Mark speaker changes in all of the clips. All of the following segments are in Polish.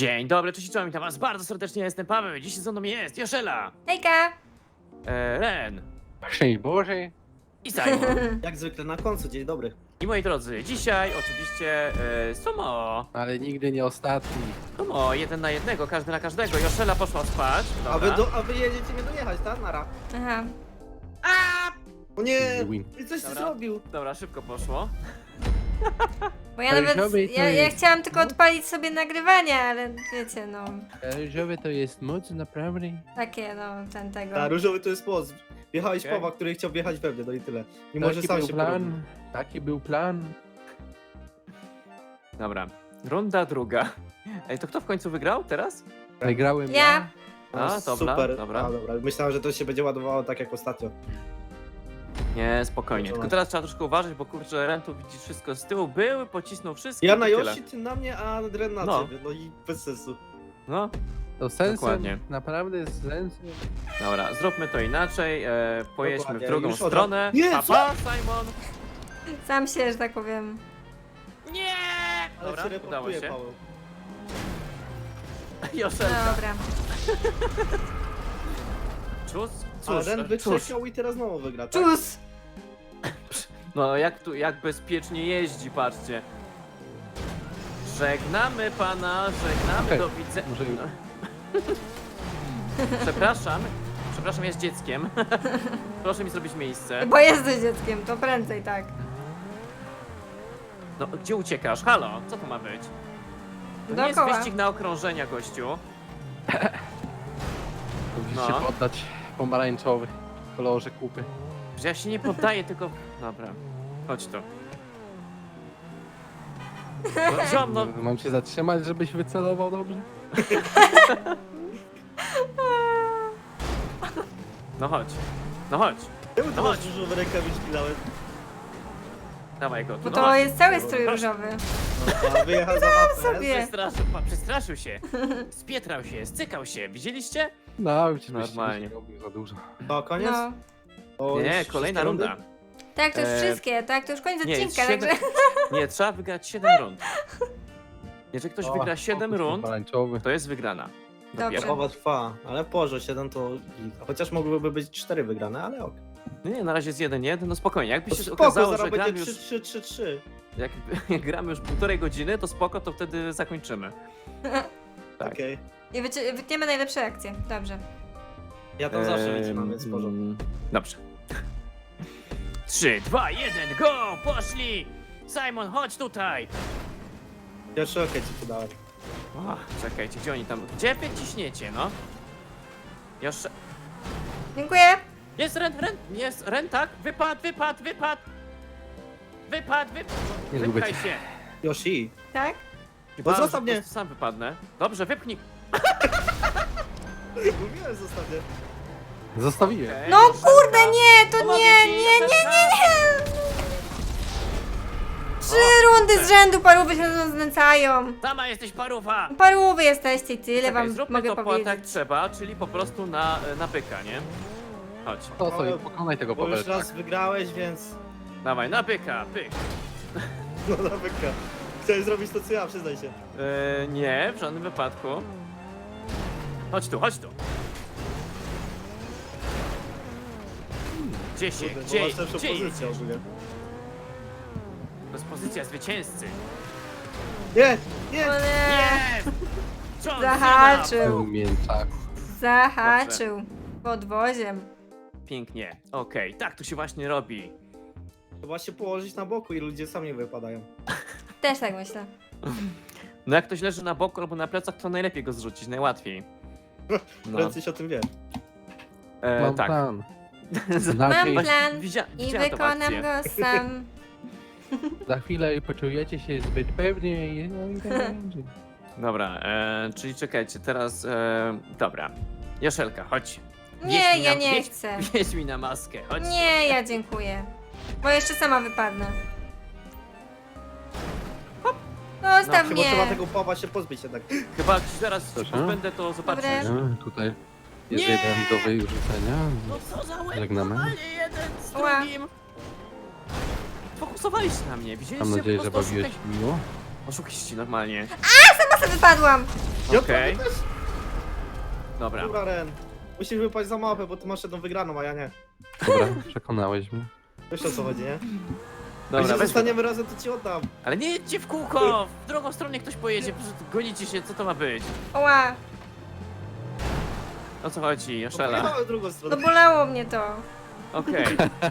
Speaker 1: Dzień dobry, cześć, czołem, witam was bardzo serdecznie, ja jestem Paweł, dziś ze mną jest Joszela,
Speaker 2: Hejka!
Speaker 1: Ren
Speaker 3: Szczęść Boże.
Speaker 1: i Simon.
Speaker 4: Jak zwykle na końcu, dzień dobry.
Speaker 1: I moi drodzy, dzisiaj oczywiście sumo,
Speaker 3: Ale nigdy nie ostatni.
Speaker 1: sumo, 1 na 1, każdy na każdego. Joszela poszła spać, dobra.
Speaker 4: A wy jedziecie mnie dojechać, tak? Nara.
Speaker 2: Aha.
Speaker 4: O nie!
Speaker 3: Win.
Speaker 4: I coś ty
Speaker 1: Dobra.
Speaker 4: zrobił.
Speaker 1: Dobra, szybko poszło.
Speaker 2: Bo ja
Speaker 3: Ale
Speaker 2: nawet.
Speaker 3: żaby to
Speaker 2: Ja
Speaker 3: jest-
Speaker 2: chciałam tylko odpalić sobie nagrywanie, ale wiecie, no.
Speaker 3: Różowy to jest moc, naprawdę.
Speaker 2: Takie, no, ten tego.
Speaker 4: A różowy to jest poz. Wjechałeś
Speaker 1: Okej.
Speaker 4: Powa, który chciał wjechać we mnie, no i tyle. Nie może
Speaker 3: Taki
Speaker 4: sam
Speaker 3: był
Speaker 4: się porobił.
Speaker 3: plan. Taki był plan.
Speaker 1: Dobra, runda druga. Ej, to kto w końcu wygrał teraz?
Speaker 3: Wygrałem
Speaker 2: Ja.
Speaker 1: A, dobra,
Speaker 4: Super.
Speaker 1: dobra.
Speaker 4: A, dobra. Myślałem, że to się będzie ładowało tak jak ostatnio.
Speaker 1: Nie, spokojnie,
Speaker 4: Dobra.
Speaker 1: tylko teraz trzeba troszkę uważać, bo kurczę, Ren tu widzi wszystko z tyłu, były, pocisnął wszystko
Speaker 4: Ja na
Speaker 1: i tyle.
Speaker 4: Yoshi, ty na mnie, a Dren na
Speaker 1: No.
Speaker 4: ciebie. No i bez sensu.
Speaker 1: No,
Speaker 3: To sensem,
Speaker 1: Dokładnie.
Speaker 3: naprawdę z sensem.
Speaker 1: dobra, zróbmy to inaczej, pojedźmy w
Speaker 4: Dokładnie,
Speaker 1: drugą
Speaker 4: już od-
Speaker 1: stronę.
Speaker 4: Nie,
Speaker 1: Papa, Simon!
Speaker 2: Sam się, że tak powiem.
Speaker 1: Nie!
Speaker 4: Ale
Speaker 1: Dobra,
Speaker 4: się
Speaker 1: udało
Speaker 4: reportuje,
Speaker 1: się.
Speaker 4: Paweł.
Speaker 1: Joszelka.
Speaker 2: Dobra.
Speaker 1: Cóż,
Speaker 4: A
Speaker 1: cóż,
Speaker 4: Ren
Speaker 1: cóż.
Speaker 4: wykrzesał i teraz znowu wygra, tak?
Speaker 2: Czus!
Speaker 1: No jak bezpiecznie jeździ, patrzcie. Żegnamy pana, żegnamy,
Speaker 3: Okej,
Speaker 1: do widzenia.
Speaker 3: może już.
Speaker 1: Przepraszam, jest dzieckiem. Proszę mi zrobić miejsce.
Speaker 2: Bo jesteś dzieckiem, to prędzej tak.
Speaker 1: No, gdzie uciekasz? Halo, co to ma być? To nie jest
Speaker 2: Dookoła.
Speaker 1: wyścig na okrążenia, gościu.
Speaker 3: Musisz
Speaker 1: No.
Speaker 3: się poddać pomarańczowy w kolorze kupy.
Speaker 1: Że ja się nie poddaję, tylko... Dobra, chodź tu. No, ziom, no,
Speaker 3: Mam cię zatrzymać, żebyś wycelował dobrze?
Speaker 1: no chodź. No chodź.
Speaker 4: Czemu
Speaker 1: No
Speaker 4: to masz
Speaker 1: chodź.
Speaker 4: różowe rękawiczki nawet?
Speaker 1: Dawaj go tu,
Speaker 2: Bo
Speaker 1: no
Speaker 2: to
Speaker 1: chodź.
Speaker 2: jest cały strój
Speaker 1: Proszę.
Speaker 2: różowy.
Speaker 4: No, a wyjechał za mapę.
Speaker 2: sobie.
Speaker 1: Przestraszył się. Spietrał się, stykał się. Widzieliście?
Speaker 3: No, już
Speaker 1: Normalnie.
Speaker 3: robił za dużo.
Speaker 4: To koniec?
Speaker 2: No.
Speaker 4: O,
Speaker 1: Nie,
Speaker 4: już
Speaker 1: kolejna
Speaker 4: wszystkie rundy?
Speaker 1: runda.
Speaker 2: Tak, to już
Speaker 1: E,
Speaker 2: wszystkie, tak? To już koniec
Speaker 1: Nie,
Speaker 2: odcinka,
Speaker 1: siedem-
Speaker 2: także.
Speaker 1: Nie, trzeba wygrać 7 rund. Jeżeli ktoś
Speaker 4: O,
Speaker 1: wygra 7 rund,
Speaker 3: Pomarańczowy.
Speaker 1: to jest wygrana.
Speaker 2: Dobrze.
Speaker 1: Dopiero.
Speaker 4: Zachowa trwa, ale Porze 7 to git. Chociaż mogłyby być 4 wygrane, ale ok.
Speaker 1: Nie, na razie jest 1-1, no spokojnie. Jakby
Speaker 4: To
Speaker 1: się
Speaker 4: spoko,
Speaker 1: okazało, że
Speaker 4: zaraz
Speaker 1: gramy
Speaker 4: będzie
Speaker 1: już,
Speaker 4: 3-3-3-3.
Speaker 1: jak gramy już 1,5 godziny, to spoko, to wtedy zakończymy. Tak.
Speaker 4: Okej.
Speaker 2: I wytniemy najlepsze akcje. Dobrze.
Speaker 4: Ja tam zawsze wycinam, więc w porządku.
Speaker 1: Dobrze. 3, 2, 1, go! Poszli! Simon, chodź tutaj!
Speaker 4: Pierwszy okej ci podałem.
Speaker 1: O, czekajcie, gdzie oni tam... Gdzie wy ciśniecie, no? Jeszcze...
Speaker 2: Dziękuję.
Speaker 1: Jest Ren, tak? Wypadł!
Speaker 3: Nie lubię
Speaker 1: Wypchaj
Speaker 3: cię.
Speaker 1: się!
Speaker 4: Yoshi.
Speaker 2: Tak?
Speaker 1: Chyba,
Speaker 4: zostaw
Speaker 1: że po
Speaker 4: mnie.
Speaker 1: prostu sam wypadnę. Dobrze, wypchnij.
Speaker 4: Mówiłem zostawię.
Speaker 3: Zostawiłem.
Speaker 1: Okej,
Speaker 2: No
Speaker 1: Joszelka.
Speaker 2: kurde, nie, to
Speaker 1: Pomogę
Speaker 2: nie,
Speaker 1: ci,
Speaker 2: nie, nie,
Speaker 1: Joszelka.
Speaker 2: nie. 3 rundy z rzędu parówy się na nas znęcają.
Speaker 1: Sama jesteś paruwa!
Speaker 2: Parówy jesteście i tyle
Speaker 1: Czekaj,
Speaker 2: wam
Speaker 1: zróbmy
Speaker 2: mogę
Speaker 1: to
Speaker 2: powiedzieć.
Speaker 1: tak trzeba, czyli po prostu na byka, nie? Chodź,
Speaker 3: To sobie pokonaj tego
Speaker 4: Bo już
Speaker 3: Pawełka.
Speaker 4: raz wygrałeś, więc...
Speaker 1: dawaj, na byka, pyk.
Speaker 4: No na wyka. Chciałeś zrobić to co ja, przyznaj się.
Speaker 1: Nie, w żadnym wypadku. Chodź tu, chodź tu. Gdzie się,
Speaker 4: Kurde, bo
Speaker 1: gdzie,
Speaker 4: masz lepszą
Speaker 1: gdzie
Speaker 4: pozycję
Speaker 1: jedziesz?
Speaker 4: ogólnie.
Speaker 1: To jest pozycja zwycięzcy.
Speaker 4: Nie, nie!
Speaker 2: O nie,
Speaker 1: Jest! John
Speaker 2: Zahaczył.
Speaker 1: Cena.
Speaker 3: Był mięczak.
Speaker 2: zahaczył podwoziem.
Speaker 1: Pięknie, okej, tak to się właśnie robi.
Speaker 4: Trzeba się położyć na boku i ludzie sami wypadają.
Speaker 2: Też tak myślę.
Speaker 1: No jak ktoś leży na boku albo na plecach, to najlepiej go zrzucić, najłatwiej. No,
Speaker 4: Prędzej się o tym wie.
Speaker 3: Mam
Speaker 1: tak.
Speaker 3: plan.
Speaker 2: Mam
Speaker 3: Znaczy,
Speaker 2: plan i
Speaker 1: widziałem tą
Speaker 2: wykonam
Speaker 1: akcję.
Speaker 2: go sam.
Speaker 3: za chwilę poczujecie się zbyt pewnie i no i tak będzie.
Speaker 1: Dobra, czyli czekajcie, teraz, dobra. Joszelka, chodź.
Speaker 2: Nie,
Speaker 1: Wieź mi
Speaker 2: ja
Speaker 1: na-
Speaker 2: nie
Speaker 1: wieź-
Speaker 2: chcę.
Speaker 1: Wieź mi na maskę, chodź.
Speaker 2: Nie, ja dziękuję. Bo jeszcze sama wypadnę. Zostaw
Speaker 4: Chyba trzeba
Speaker 2: mnie.
Speaker 4: tego Powa się pozbyć jednak.
Speaker 1: Chyba jak zaraz
Speaker 3: Proszę?
Speaker 1: będę, to zobaczysz.
Speaker 2: Dobre.
Speaker 3: No, tutaj jest
Speaker 1: Nie!
Speaker 3: jeden do wyrzucenia.
Speaker 1: No co za łeb,
Speaker 3: Żegnamy.
Speaker 1: normalnie jeden z
Speaker 2: Ła.
Speaker 1: drugim. Fokusowaliście na mnie, widzieliście?
Speaker 3: Mam nadzieję,
Speaker 1: Po
Speaker 3: że
Speaker 1: prostu
Speaker 3: bawiłeś miło.
Speaker 1: Oszukiści normalnie.
Speaker 2: Sama co wypadłam?
Speaker 4: Ja
Speaker 1: Okej.
Speaker 4: prawie też.
Speaker 1: Dobra.
Speaker 4: Dobra, Ren. Musisz wypaść za mapę, bo ty masz jedną wygraną, a ja nie.
Speaker 3: Dobra, przekonałeś mnie.
Speaker 4: Wiesz o co chodzi, nie?
Speaker 1: Dobra,
Speaker 4: Jak się
Speaker 1: weź.
Speaker 4: zostaniemy razem, to ci oddam.
Speaker 1: Ale nie jedźcie w kółko! W drugą stronę ktoś pojedzie, po prostu gonicie się, co to ma być?
Speaker 2: Oła,
Speaker 1: O co chodzi, Joszela?
Speaker 4: Pojechałem w drugą
Speaker 2: no
Speaker 4: stronę.
Speaker 2: bolało mnie to.
Speaker 1: Okej.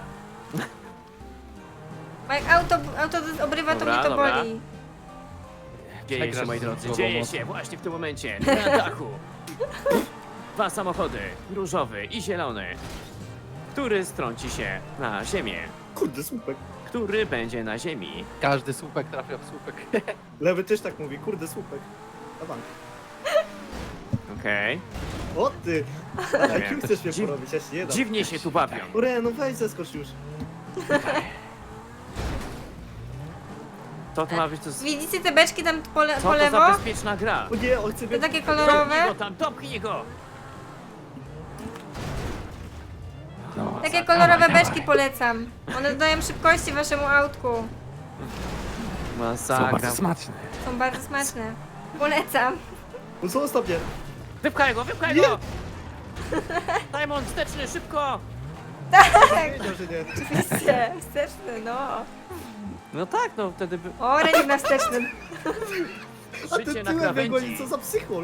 Speaker 2: Bo jak auto obrywa, to
Speaker 1: Dobra,
Speaker 2: mnie to
Speaker 1: dobra.
Speaker 2: boli.
Speaker 1: Dzieje się,
Speaker 3: Przegrasz
Speaker 1: moi
Speaker 3: z
Speaker 1: drodzy,
Speaker 3: głową
Speaker 1: dzieje
Speaker 3: mocno.
Speaker 1: się właśnie w tym momencie. Na dachu. Dwa samochody, różowy i zielony. Który strąci się na ziemię?
Speaker 4: Kurde, słupek.
Speaker 1: Który będzie na ziemi?
Speaker 3: Każdy słupek trafia w słupek.
Speaker 4: Lewy też tak mówi, kurde, słupek. Na bank.
Speaker 1: Okej.
Speaker 4: O ty!
Speaker 1: Nie
Speaker 4: Jakim
Speaker 1: wiem.
Speaker 4: chcesz mnie
Speaker 1: Dziw-
Speaker 4: porobić? Ja się nie dam.
Speaker 1: Dziwnie się tu bawią.
Speaker 4: Ren, no weź zeskocz już.
Speaker 1: To ma być to...
Speaker 2: Widzicie te beczki tam po
Speaker 1: Co to
Speaker 2: lewo?
Speaker 1: za bezpieczna gra?
Speaker 4: O nie, on chce
Speaker 2: To
Speaker 4: mnie...
Speaker 2: takie
Speaker 1: Dopchnij
Speaker 2: kolorowe?
Speaker 1: go tam, dopchnij go! No,
Speaker 2: Takie
Speaker 1: dawaj,
Speaker 2: kolorowe
Speaker 1: dawaj.
Speaker 2: beczki polecam. One dodają szybkości waszemu autku.
Speaker 3: Są
Speaker 1: Masakra.
Speaker 3: bardzo smaczne.
Speaker 2: Są bardzo smaczne. Polecam.
Speaker 4: No zostaw mnie.
Speaker 1: Wypchaj go, wypchaj
Speaker 4: Nie.
Speaker 1: go! Simon, wsteczny, szybko!
Speaker 4: Wiedział, że nie.
Speaker 2: Oczywiście, wsteczny, no.
Speaker 1: No tak, no wtedy by...
Speaker 2: O, Renik na wstecznym.
Speaker 4: A
Speaker 1: Życie
Speaker 4: ty
Speaker 1: na
Speaker 4: tyłem mnie goni,
Speaker 1: krawędzi.
Speaker 4: co za psychol.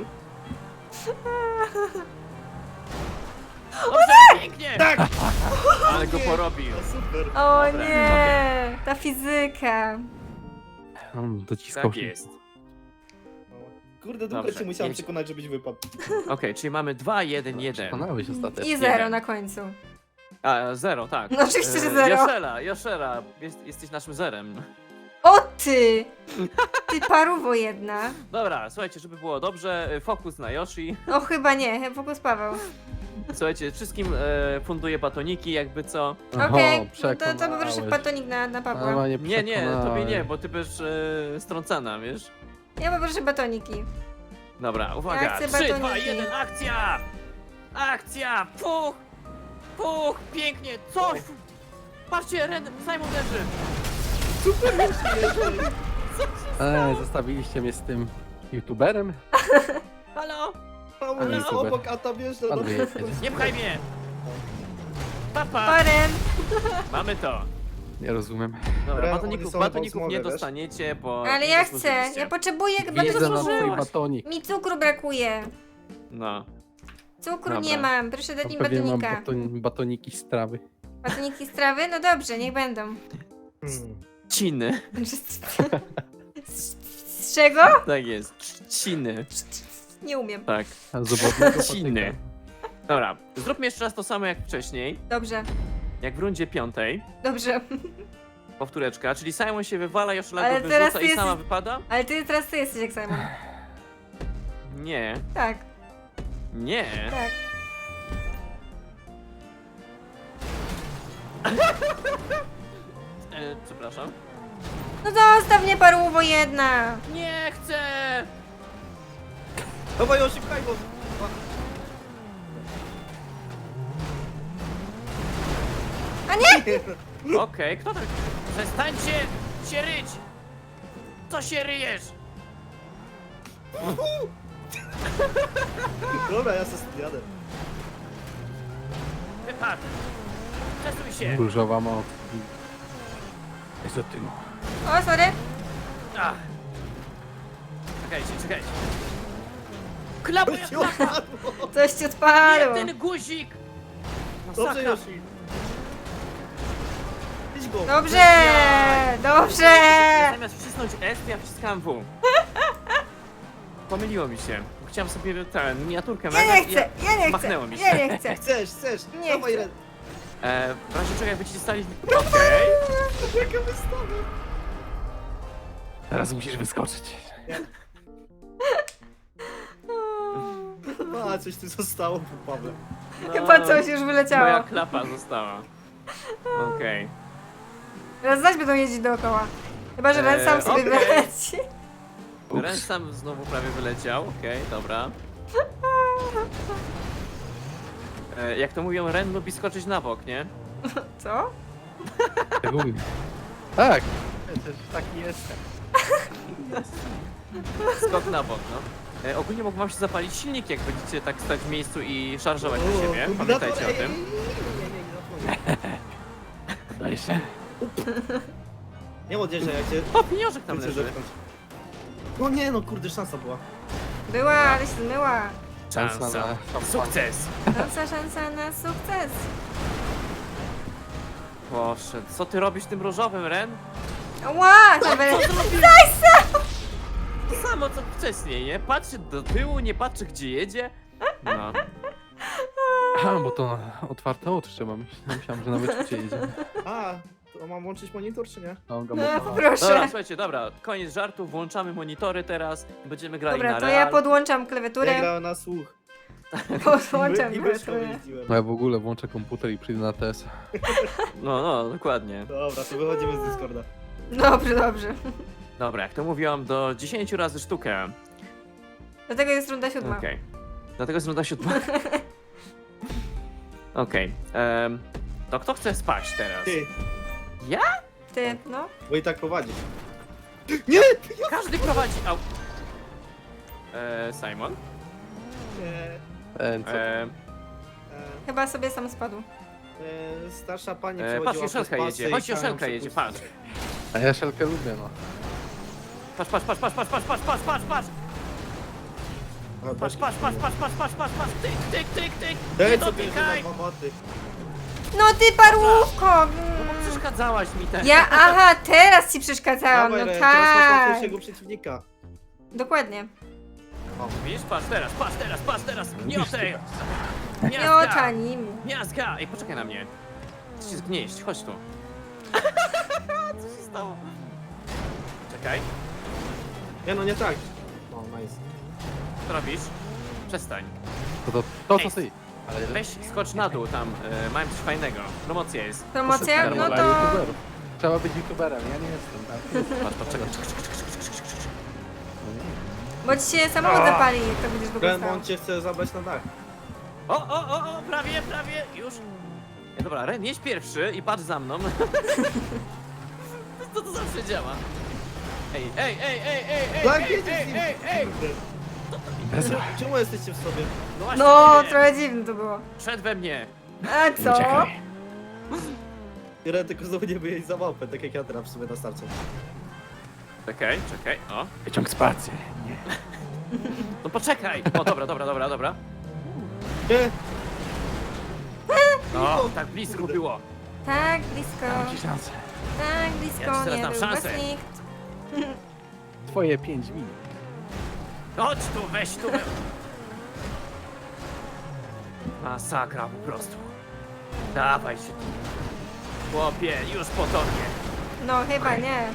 Speaker 1: Dobrze, pięknie!
Speaker 4: Tak!
Speaker 1: Ale go
Speaker 4: Nie.
Speaker 1: porobił.
Speaker 4: No super.
Speaker 2: O
Speaker 1: Dobra,
Speaker 2: nie, ta fizyka.
Speaker 3: On dociskał
Speaker 1: Tak
Speaker 3: się.
Speaker 1: jest.
Speaker 4: Kurde, długo
Speaker 1: Dobrze,
Speaker 4: cię musiałem
Speaker 1: jedź.
Speaker 4: przekonać, żebyś wypadł.
Speaker 1: Okej, czyli mamy 2, 1, 1.
Speaker 3: Przekonałeś ostatecznie.
Speaker 2: I zero na końcu.
Speaker 1: A, 0, tak.
Speaker 2: No oczywiście, że zero.
Speaker 1: Joszela, jesteś naszym zerem.
Speaker 2: O ty! Ty paruwo jedna.
Speaker 1: Dobra, słuchajcie, żeby było dobrze, fokus na Yoshi.
Speaker 2: O chyba nie, fokus Paweł.
Speaker 1: Słuchajcie, wszystkim funduję batoniki, jakby co.
Speaker 2: Okej, no to
Speaker 3: przekonałeś.
Speaker 2: poproszę batonik na Pawła.
Speaker 3: Mama
Speaker 1: Nie, nie, tobie
Speaker 3: przekonałeś.
Speaker 1: nie, bo ty będziesz strącana, wiesz?
Speaker 2: Ja poproszę batoniki.
Speaker 1: Dobra, uwaga.
Speaker 2: Ja chcę
Speaker 1: 3, 2,
Speaker 2: batoniki.
Speaker 1: 1, akcja! Akcja! Puch! Puch! Pięknie! Coś! Patrzcie, Simon leży!
Speaker 3: Zostawiliście mnie z tym youtuberem?
Speaker 1: Halo?
Speaker 4: Mało
Speaker 1: Ale
Speaker 4: jest
Speaker 3: super.
Speaker 4: obok, a tam jeszcze...
Speaker 3: Pan wyjedzie.
Speaker 1: Nie pchaj mnie! Papa!
Speaker 2: Oren!
Speaker 1: Mamy to!
Speaker 3: Nie rozumiem.
Speaker 1: Dobra,
Speaker 4: Ren,
Speaker 1: batoników,
Speaker 4: oni są
Speaker 1: batoników nie
Speaker 4: pomogę, wiesz?
Speaker 1: dostaniecie, bo...
Speaker 2: Ale
Speaker 1: nie
Speaker 2: ja chcę,
Speaker 1: zasłużyliście.
Speaker 2: ja potrzebuję
Speaker 3: Wiedzę na twój
Speaker 2: batonik.
Speaker 3: batonik.
Speaker 2: Mi cukru brakuje.
Speaker 1: No.
Speaker 2: Cukru
Speaker 1: Dobra.
Speaker 2: nie mam, proszę dać mi
Speaker 3: Pewnie mam
Speaker 2: batonika.
Speaker 3: batoniki z trawy.
Speaker 2: Batoniki z trawy? No dobrze, niech będą.
Speaker 1: Ciny.
Speaker 2: Z czego?
Speaker 1: Tak jest. Trzciny.
Speaker 2: Nie umiem.
Speaker 1: Tak.
Speaker 3: A z obodnego
Speaker 1: Trzciny.
Speaker 3: patyka.
Speaker 1: Dobra, zróbmy jeszcze raz to samo jak wcześniej.
Speaker 2: Dobrze,
Speaker 1: Jak w rundzie 5.
Speaker 2: dobrze.
Speaker 1: Powtóreczka, czyli Simon się wywala, Joszela
Speaker 2: Ale
Speaker 1: go
Speaker 2: teraz
Speaker 1: wyrzuca
Speaker 2: ty
Speaker 1: i sama
Speaker 2: jesteś-
Speaker 1: wypada?
Speaker 2: Ale teraz ty jesteś jak Simon.
Speaker 1: Nie.
Speaker 2: Tak,
Speaker 1: Nie.
Speaker 2: tak.
Speaker 1: Przepraszam.
Speaker 2: No zostaw mnie paruwo jedna.
Speaker 1: Nie chcę!
Speaker 4: Dawaj, Yoshi, pchaj go!
Speaker 2: A nie!
Speaker 1: Okej, kto tak... Przestańcie się ryć! Co się ryjesz?
Speaker 4: Dobra, ja se jadę.
Speaker 1: Wypadł! Przesuń się!
Speaker 3: Różowa moc. Jest o tym.
Speaker 2: O, sorry.
Speaker 1: Ach. Czekajcie, czekajcie. Klapa
Speaker 4: Yoshi,
Speaker 1: jak klapa!
Speaker 4: odpadło.
Speaker 2: Coś ci
Speaker 1: Nie
Speaker 2: odpadło.
Speaker 1: ten guzik!
Speaker 4: Dobrze,
Speaker 1: Masakra.
Speaker 4: Yoshi. Idź go.
Speaker 2: Dobrze, dobrze.
Speaker 1: Zamiast wcisnąć S, to ja wciskałem W. Pomyliło mi się. Chciałem sobie tę miniaturkę
Speaker 2: Ja nie
Speaker 1: nagrać i
Speaker 2: chcę, ja nie chcę.
Speaker 1: machnęło mi się.
Speaker 2: Ja nie chcę.
Speaker 4: Chcesz.
Speaker 2: Nie
Speaker 4: Dawaj,
Speaker 2: chcę.
Speaker 4: Ren.
Speaker 1: W razie czego jakby ci stali... Okej.
Speaker 4: Jaka wystawa.
Speaker 3: Teraz musisz wyskoczyć.
Speaker 4: A, coś tu zostało po Pawle.
Speaker 1: No,
Speaker 2: Chyba coś już
Speaker 1: Moja
Speaker 2: wyleciało.
Speaker 1: klapa została. Okej.
Speaker 2: Teraz zaś będą jeździć dookoła. Chyba, że Ren sam sobie
Speaker 1: okej.
Speaker 2: wyleci.
Speaker 1: Ren sam znowu prawie wyleciał. Okej, dobra. Jak to mówią, Ren lubi skoczyć na bok, nie?
Speaker 2: Co?
Speaker 3: Tak umiem. Tak. Przecież taki jestem.
Speaker 1: Skok na bok, no. Ogólnie mógł wam się zapalić silnik, jak będziecie tak stać w miejscu i szarżować na siebie. Pamiętajcie o tym.
Speaker 3: Daj się.
Speaker 4: Nie odjeżdżaj, jak cię
Speaker 1: O, pieniążek tam
Speaker 4: chcę
Speaker 1: leży.
Speaker 4: zepchnąć. No nie, no kurde, szansa była.
Speaker 2: Była, ale się zmyła.
Speaker 1: Szansa.
Speaker 3: na szampan.
Speaker 1: Sukces.
Speaker 2: Szansa na sukces.
Speaker 1: Proszę, co ty robisz tym różowym, Ren?
Speaker 2: Ła, to będę...
Speaker 1: To samo co wcześniej, nie? Patrzy do tyłu, nie patrzy gdzie jedzie. No.
Speaker 3: Aha, bo to otwarte oczy trzeba. Myślałem, że nawet szybciej jedzie.
Speaker 4: A, to mam łączyć monitor, czy nie?
Speaker 3: No, go
Speaker 2: No,
Speaker 3: mocno.
Speaker 1: Dobra,
Speaker 2: proszę.
Speaker 1: słuchajcie, dobra, koniec żartów, włączamy monitory teraz i będziemy grali
Speaker 2: Dobra,
Speaker 1: na
Speaker 2: to
Speaker 1: real.
Speaker 2: ja podłączam
Speaker 4: Ja
Speaker 2: klawiaturę.
Speaker 4: grałem na słuch.
Speaker 2: Podłączam
Speaker 4: I myszką
Speaker 2: klawiaturę.
Speaker 4: jeździłem.
Speaker 3: No ja w ogóle włączę komputer i przyjdę na TS.
Speaker 1: No, dokładnie.
Speaker 4: Dobra, to wychodzimy z Discorda.
Speaker 2: Dobrze, dobrze.
Speaker 1: Dobra, jak to mówiłam, do 10 razy sztukę.
Speaker 2: Dlatego jest runda 7.
Speaker 1: Okej. Dlatego jest runda 7. Okej. To kto chce spać teraz?
Speaker 4: Ty,
Speaker 2: Ty, no.
Speaker 4: bo i tak prowadzisz. Nie!
Speaker 1: Każdy prowadzi. Au. Simon?
Speaker 4: Nie.
Speaker 3: Co?
Speaker 2: Chyba sobie sam spadł.
Speaker 4: Starsza pani
Speaker 1: Patrz,
Speaker 4: przechodziła
Speaker 1: Joszelka
Speaker 4: przez pasy
Speaker 1: jedzie.
Speaker 4: i
Speaker 1: Chodź,
Speaker 4: chciałem
Speaker 1: Joszelka jedzie, patrz.
Speaker 4: przepuścić.
Speaker 3: A ja szelkę lubię, no.
Speaker 1: Patrz.
Speaker 4: A,
Speaker 1: Patrz. Tyk.
Speaker 4: Ej,
Speaker 1: Nie
Speaker 4: co ty
Speaker 1: dotykaj.
Speaker 4: za baboty?
Speaker 2: No ty parłówko!
Speaker 1: No bo przeszkadzałaś mi ten.
Speaker 2: Ja, aha, teraz ci przeszkadzałam,
Speaker 4: Dawaj,
Speaker 2: no
Speaker 4: Ren, teraz masz
Speaker 2: tak.
Speaker 4: łatwiejszego przeciwnika.
Speaker 2: Dokładnie.
Speaker 1: Widzisz? Patrz teraz. Gniotej.
Speaker 2: Miota nim.
Speaker 1: Miazga. Ej, poczekaj na mnie. Chcę się zgnieść, chodź tu. Co się stało? Czekaj,
Speaker 4: Nie no, nie tak. O, nice.
Speaker 1: co robisz? Przestań.
Speaker 3: To co ty? Ale
Speaker 1: Weź skocz na dół tam, mają coś fajnego. Promocja jest.
Speaker 2: Promocja?
Speaker 1: Proszę,
Speaker 2: No
Speaker 3: dla
Speaker 2: to...
Speaker 3: youtuberów. Trzeba być youtuberem, ja nie jestem, tak?
Speaker 1: Patrz, czekaj.
Speaker 2: Bo ci się samochód zapali, jak to będziesz
Speaker 4: Ren,
Speaker 2: wyglądał.
Speaker 4: on cię chce zabrać na dach.
Speaker 1: O, prawie, już. Nie, dobra, Ren, jedź pierwszy i patrz za mną. Co to zawsze działa? Ej.
Speaker 4: Tak, jedziesz z nim.
Speaker 1: Ej.
Speaker 4: Kurde. Czemu jesteście w sobie?
Speaker 1: No właśnie,
Speaker 2: No,
Speaker 1: nie wiem.
Speaker 2: trochę dziwne to było.
Speaker 1: Szedł we mnie.
Speaker 2: A co?
Speaker 4: Ren, tylko znowu nie wyjeść za małpę, tak jak ja teraz w sobie na starcie.
Speaker 1: Czekaj, o.
Speaker 3: Wyciąg spację. Nie.
Speaker 1: No poczekaj. O, dobra.
Speaker 4: Nie!
Speaker 1: No, tak blisko było.
Speaker 2: Tak blisko.
Speaker 3: Dam ci szansę.
Speaker 2: Tak
Speaker 1: Ja ci
Speaker 2: blisko,
Speaker 1: teraz
Speaker 2: nie
Speaker 1: dam
Speaker 2: był
Speaker 1: szansę.
Speaker 2: was nikt.
Speaker 3: Twoje 5 minut.
Speaker 1: Chodź tu, weź tu. Masakra po prostu. Dawaj się tu. Chłopie, już po tobie.
Speaker 2: No, chyba nie.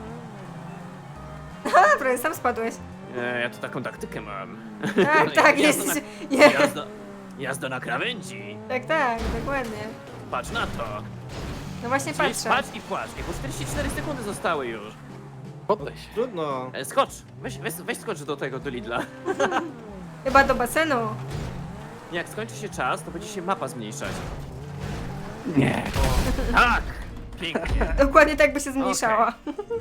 Speaker 2: Prawie sam spadłeś.
Speaker 1: Ja tu taką taktykę mam.
Speaker 2: Tak, tak,
Speaker 1: Jazda
Speaker 2: jest.
Speaker 1: na-
Speaker 2: Nie.
Speaker 1: Jazda na krawędzi.
Speaker 2: Tak, dokładnie.
Speaker 1: Patrz na to.
Speaker 2: No właśnie
Speaker 1: Czyli
Speaker 2: patrzę.
Speaker 1: patrz i płacz. Bo 44 sekundy zostały już.
Speaker 3: Poddaj się.
Speaker 4: Trudno.
Speaker 1: Skocz. Weź skocz do Lidla.
Speaker 2: Chyba do basenu.
Speaker 1: Jak skończy się czas, to będzie się mapa zmniejszać.
Speaker 3: Nie.
Speaker 1: Tak! Pięknie.
Speaker 2: Dokładnie tak by się zmniejszała.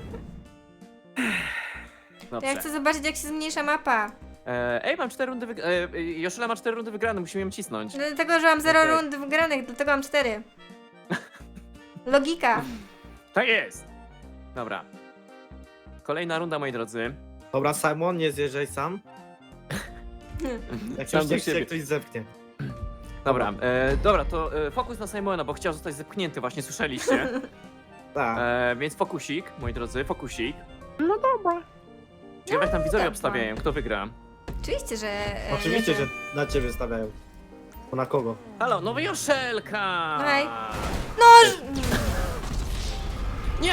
Speaker 2: Ja
Speaker 1: Dobrze.
Speaker 2: chcę zobaczyć, jak się zmniejsza mapa.
Speaker 1: Mam 4 rundy Joszela ma 4 rundy wygrane, musimy ją cisnąć.
Speaker 2: Dlatego, że mam 0
Speaker 1: Okej.
Speaker 2: rund wygranych, dlatego mam 4. Logika.
Speaker 1: Tak jest! Dobra. Kolejna runda, moi drodzy.
Speaker 4: Dobra, Simon, nie zjeżdżaj sam. Jak
Speaker 1: Sam
Speaker 4: już
Speaker 1: do
Speaker 4: cię
Speaker 1: siebie.
Speaker 4: ktoś zepchnie.
Speaker 1: Dobra, to fokus na Simona, bo chciał zostać zepchnięty, właśnie słyszeliście.
Speaker 4: Tak.
Speaker 1: Więc fokusik, moi drodzy, fokusik.
Speaker 3: No dobra.
Speaker 1: Ciekawe jak tam widzowie
Speaker 2: dobra.
Speaker 1: obstawiają, kto wygra.
Speaker 2: Oczywiście, że...
Speaker 4: Oczywiście, że na ciebie stawiają. Bo na kogo?
Speaker 1: Halo, no Joszelka!
Speaker 2: Hej. No!
Speaker 1: Nie!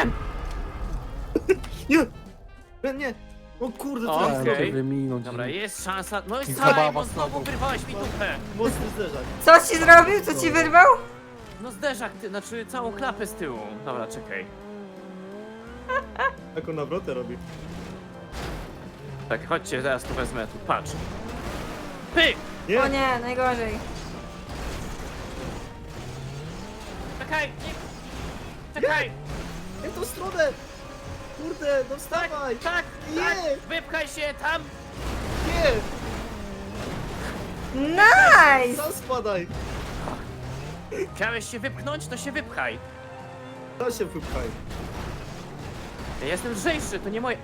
Speaker 4: Nie! Ren, nie! O kurde, co
Speaker 1: Okej.
Speaker 4: ja
Speaker 3: Chciałem
Speaker 4: zrobię?
Speaker 3: cię wyminąć.
Speaker 1: Dobra, jest szansa. No i
Speaker 3: I zabawa
Speaker 1: Simon, znowu
Speaker 3: znowu.
Speaker 1: wyrwałeś mi dupę.
Speaker 4: Mocny zderzak.
Speaker 2: Co ci zrobił? Co ci wyrwał?
Speaker 1: No zderzak, znaczy całą klapę z tyłu. Dobra, czekaj.
Speaker 4: Jaką nawrotę robi.
Speaker 1: Tak, chodźcie, zaraz tu wezmę, tu, patrz. Pyk!
Speaker 4: Nie!
Speaker 2: O nie, najgorzej.
Speaker 1: Czekaj! Nie. Czekaj!
Speaker 4: Nie w tą stronę! Kurde, no wstawaj!
Speaker 1: Tak,
Speaker 4: Nie!
Speaker 1: tak, wypchaj się tam!
Speaker 4: Nie!
Speaker 2: Nice!
Speaker 4: Sam spadaj!
Speaker 1: Chciałeś się wypchnąć, to się wypchaj.
Speaker 4: To się wypchaj.
Speaker 1: Ja jestem lżejszy, to nie moje...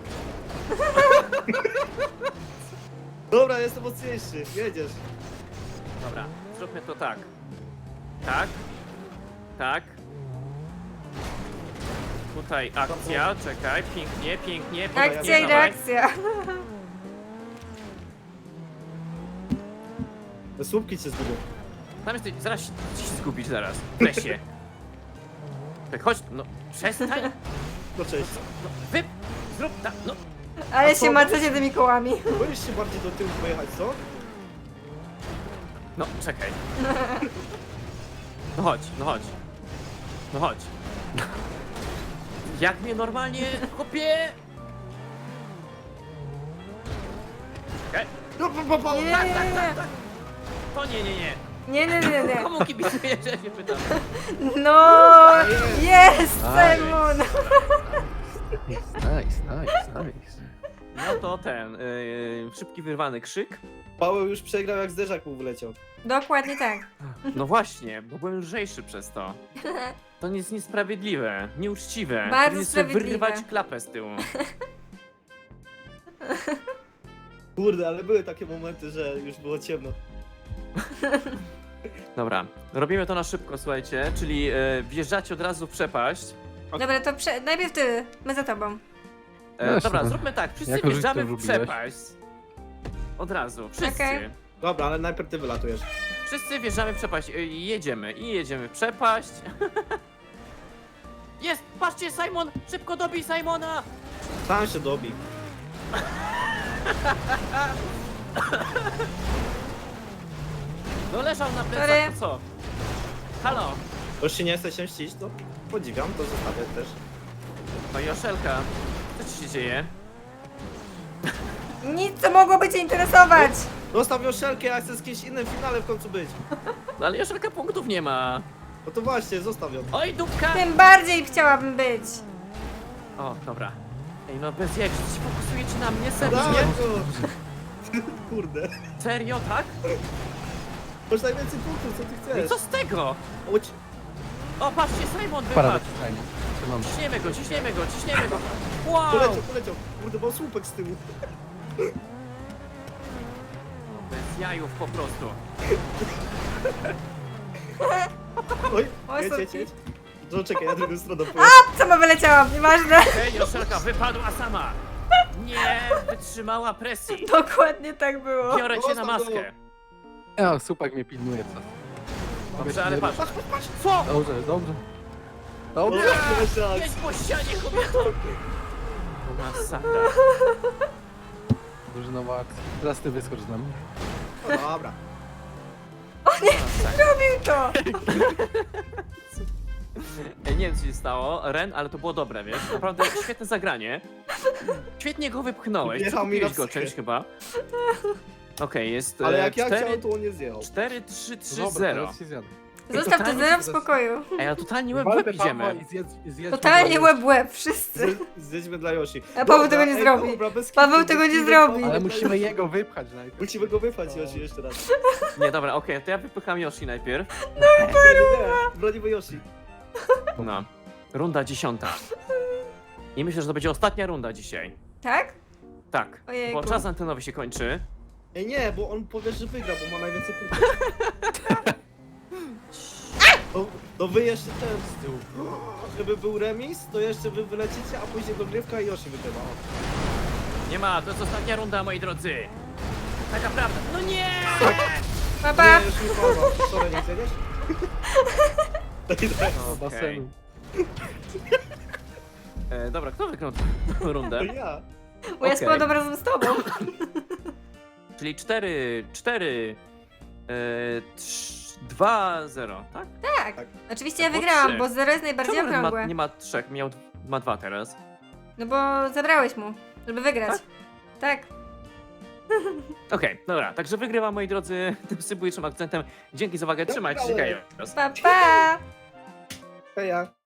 Speaker 4: Dobra, jestem mocniejszy, jedziesz.
Speaker 1: Dobra, zróbmy to tak. Tak. Tak. Tutaj akcja, czekaj, pięknie, pięknie, pięknie.
Speaker 2: Akcja i
Speaker 1: dawaj.
Speaker 2: reakcja.
Speaker 4: Te słupki cię zgubią.
Speaker 1: Tam jesteś, zaraz się zgubić, zaraz. Wreszcie. Tak, chodź, no, przestań.
Speaker 4: No cześć.
Speaker 1: No, zrób tak, no.
Speaker 2: Ale
Speaker 4: A co?
Speaker 2: się macacie tymi kołami.
Speaker 4: Boisz się bardziej do tyłu pojechać, co?
Speaker 1: No, czekaj. No chodź, no chodź. No chodź. Jak mnie normalnie kopię? Okej.
Speaker 4: No,
Speaker 2: Nie,
Speaker 1: Tak,
Speaker 2: nie,
Speaker 1: tak,
Speaker 2: nie.
Speaker 1: tak, tak. To nie, nie, nie.
Speaker 2: Nie, nie, nie, nie.
Speaker 1: Komu kibicujesz, ja się pytam.
Speaker 2: No, jest Simon.
Speaker 3: Nice.
Speaker 1: No to ten, szybki wyrwany krzyk.
Speaker 4: Paweł już przegrał, jak zderzak mu wyleciał.
Speaker 2: Dokładnie tak.
Speaker 1: No właśnie, bo byłem lżejszy przez to. To jest niesprawiedliwe, nieuczciwe.
Speaker 2: Bardzo
Speaker 1: Powinien sobie
Speaker 2: sprawiedliwe.
Speaker 1: wyrwać klapę z tyłu.
Speaker 4: Kurde, ale były takie momenty, że już było ciemno.
Speaker 1: Dobra, robimy to na szybko, słuchajcie, czyli wjeżdżacie od razu w przepaść.
Speaker 2: Dobra, to najpierw ty, my za tobą.
Speaker 3: Jasne.
Speaker 1: Dobra, zróbmy tak, wszyscy
Speaker 3: Jako, że
Speaker 1: wjeżdżamy
Speaker 3: to
Speaker 1: w
Speaker 3: lubiłeś.
Speaker 1: przepaść. Od razu, wszyscy.
Speaker 2: Okej.
Speaker 4: Dobra, ale najpierw ty wylatujesz.
Speaker 1: Wszyscy wjeżdżamy w przepaść i jedziemy w przepaść. Jest, patrzcie, Simon, szybko dobij Simona.
Speaker 4: Sam się dobi.
Speaker 1: No leżał na
Speaker 2: Sorry.
Speaker 1: plecach, to co? Halo,
Speaker 4: Już się nie chce się mścić, to podziwiam, to zostawię też.
Speaker 1: no Joszelka, co ci się dzieje?
Speaker 2: Nic, co mogłoby cię interesować.
Speaker 4: Zostaw Joszelkę, ja chcę z kimś innym w finale w końcu być.
Speaker 1: No ale Joszelka punktów nie ma.
Speaker 4: No to właśnie, zostaw ją.
Speaker 1: Oj, dupka!
Speaker 2: Tym bardziej chciałabym być.
Speaker 1: O, dobra. Ej, no bez jak, czy się fokusujecie na mnie?
Speaker 4: Dawaj
Speaker 1: Serio?
Speaker 4: go! Kurde.
Speaker 1: Serio, tak?
Speaker 4: Masz najwięcej punktów, co ty
Speaker 1: No i
Speaker 4: chcesz?
Speaker 1: co z tego?
Speaker 4: Chodź.
Speaker 1: O, patrzcie, Simon
Speaker 3: Para
Speaker 1: wypadł.
Speaker 3: wyciskania. Trzymam.
Speaker 1: Ciśniemy go, ciśniemy go, ciśniemy go. Wow!
Speaker 4: Poleciał. Kurde, mam słupek z tyłu.
Speaker 1: Bez jajów po prostu.
Speaker 4: Oj,
Speaker 2: Oj,
Speaker 4: jedź,
Speaker 2: sorki.
Speaker 4: jedź. No czekaj, ja drugą stroną pojadę.
Speaker 2: Sama wyleciałam, nieważne.
Speaker 1: Ej, Joszelka wypadła sama. Nie wytrzymała presji.
Speaker 2: Dokładnie tak było.
Speaker 1: Biorę cię na maskę.
Speaker 3: Ja, słupak mnie pilnuje co.
Speaker 1: Dobrze, ale patrz.
Speaker 4: Patrz.
Speaker 1: Co?
Speaker 3: Dobrze.
Speaker 4: No,
Speaker 3: Dobrze.
Speaker 1: Jedź po ścianie, kobieto. Masakra.
Speaker 3: Drużynowa akcja. Teraz ty wyskocz z nami.
Speaker 4: Dobra.
Speaker 1: Masakra.
Speaker 2: Robił to.
Speaker 1: Ej, nie wiem co się stało, Ren, ale to było dobre, wiesz? Naprawdę świetne zagranie. Świetnie go wypchnąłeś.
Speaker 4: Jechał mi
Speaker 1: Przekupiłeś
Speaker 4: na
Speaker 1: go
Speaker 4: psychę.
Speaker 1: czymś chyba. Okej, jest
Speaker 4: Ale jak ja
Speaker 1: 4,
Speaker 4: chciałem, to on nie zjechał.
Speaker 1: 4, 3, 3,
Speaker 3: Dobra,
Speaker 1: 0.
Speaker 3: teraz się zjadę.
Speaker 2: Zostaw to zero w spokoju.
Speaker 1: Ej, ale totalnie łeb w
Speaker 3: Walkę
Speaker 1: łeb idziemy.
Speaker 3: Pawła i zjedźmy
Speaker 2: Totalnie
Speaker 3: go.
Speaker 2: łeb w łeb, wszyscy.
Speaker 4: Zjedźmy dla Yoshi.
Speaker 2: A Paweł
Speaker 4: Dobra,
Speaker 2: tego nie
Speaker 4: ej,
Speaker 2: zrobi.
Speaker 4: dobra, bez
Speaker 2: Paweł
Speaker 4: kitu,
Speaker 2: tego
Speaker 4: bez
Speaker 2: nie
Speaker 4: kitu,
Speaker 2: zrobi.
Speaker 3: Ale musimy jego wypchać najpierw.
Speaker 4: Musimy go wypchać, Yoshi, jeszcze raz.
Speaker 1: Nie, dobra, okej, to ja wypycham Yoshi najpierw.
Speaker 4: Nie, bronimy Yoshi.
Speaker 1: No. Runda 10. I myślę, że to będzie ostatnia runda dzisiaj.
Speaker 2: Tak?
Speaker 1: Tak,
Speaker 2: Ojejku.
Speaker 1: bo czas antenowy się kończy.
Speaker 4: Ej, nie, bo on powie, że wygra, bo ma najwięcej punktów. No wy jeszcze ten z tyłu. Żeby był remis, to jeszcze wy wylecicie, a później dogrywka i Yoshi wygrywa. O.
Speaker 1: Nie ma, to jest ostatnia runda, moi drodzy. Taka prawda. No nie!
Speaker 2: Pa, pa.
Speaker 4: Nie, już mi pomogło. Sorry, nie zjedziesz?
Speaker 3: O, basenu.
Speaker 1: Dobra, kto wygrał tę rundę?
Speaker 4: To ja.
Speaker 2: Bo ja
Speaker 1: Okej.
Speaker 2: składam razem z tobą.
Speaker 1: Czyli 4, 2, 0, tak?
Speaker 2: Tak.
Speaker 4: Tak.
Speaker 2: Oczywiście ja
Speaker 1: Albo
Speaker 2: wygrałam,
Speaker 1: trzy.
Speaker 2: bo zero jest najbardziej
Speaker 1: Czemu Ren
Speaker 2: okrągłe.
Speaker 1: nie ma 3, ma 2 teraz.
Speaker 2: No bo zabrałeś mu, żeby wygrać. Tak.
Speaker 1: Okej, dobra, także wygrywa, moi drodzy, tym subujczym akcentem. Dzięki za uwagę, trzymajcie się,
Speaker 4: Wygrałem.
Speaker 1: Kajos.
Speaker 2: Pa, pa.
Speaker 4: Heja.